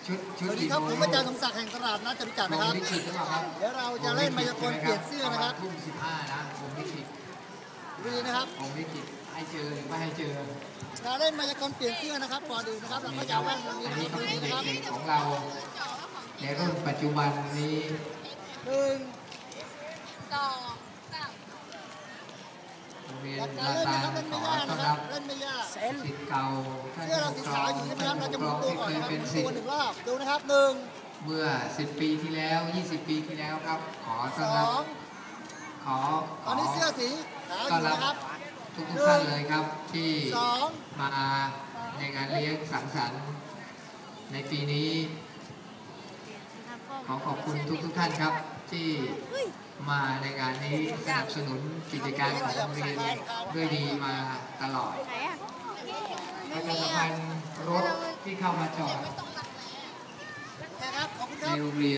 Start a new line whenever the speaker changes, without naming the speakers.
สวัสดีครับผมอาจารย์สมศักดิ์แห่งตลาดนัดจตุจักรนะครับเดี๋ยวเราจะเล่นมายากลเปลี่ยนเสื้อนะครับ
ทุ่ม15นะผมลิขิต
ดีนะครับ
ผมลิขิตให้เจอหรือไม่ให้เจอ
การเล่นมายากลเปลี่ยนเสื้อนะครับก่อนอื่นนะครับเราก็จะแว่นตรงนี้นะครับ
เด็กๆของเราในรุ่นปัจจุบันนี้
1 2 3
โรงเรียนลาตาขอต้อนรับศิษย์เก่าท่านผู้ปกครองท่านผู้ปกครองที่เคยเป็นศิษย์
1 รอบดูนะครับ
เมื่อ10 ปีที่แล้ว20 ปีที่แล้วครับขอต้อนรับ
ตอนนี้เสื้อสี
ต้อนรับทุกท่านเลยครับที่มาในงานเลี้ยงสังสรรค์ในปีนี้ขอขอบคุณทุกท่านครับที่มาในงานนี้สนับสนุนกิจการของโรงเรียนด้วยดีมาตลอดประชาสัมพันธ์รถที่เข้ามาจอดในโรงเรียน